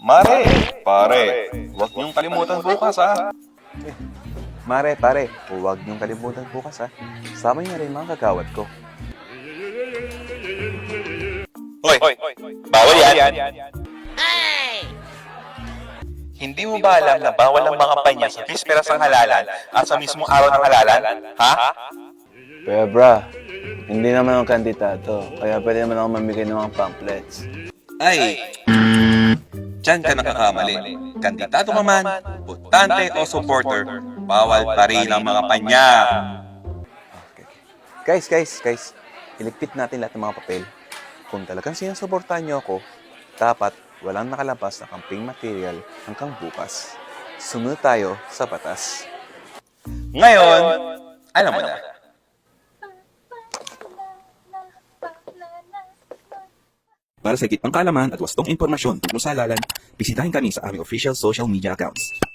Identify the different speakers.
Speaker 1: Mare, pare, huwag niyong kalimutan bukas ha.
Speaker 2: Mare, pare, huwag niyong kalimutan bukas ha. Sama niyo na rin mga kagawad ko.
Speaker 1: Hoy, bawal yan. Hindi mo ba alam na bawal ang mga panya sa bisperas ng halalan at sa mismong araw ng halalan? Ha?
Speaker 2: Pero bra, hindi naman ako kandidato, kaya pwede naman ako mamigay ng mga pamphlets.
Speaker 1: Ay, diyan ka nakakamali. Kandidato ka man, botante o supporter, bawal pa rin ang mga panya.
Speaker 2: Guys, iligpit natin lahat ng mga papel. Kung talagang sinusuportahan niyo ako, dapat walang nakalabas na campaign material hanggang bukas. Sumunod tayo sa batas.
Speaker 1: Ngayon, alam mo na.
Speaker 3: Para sa higit pang kaalaman at wastong impormasyon tungkol sa halalan, bisitahin kami sa aming official social media accounts.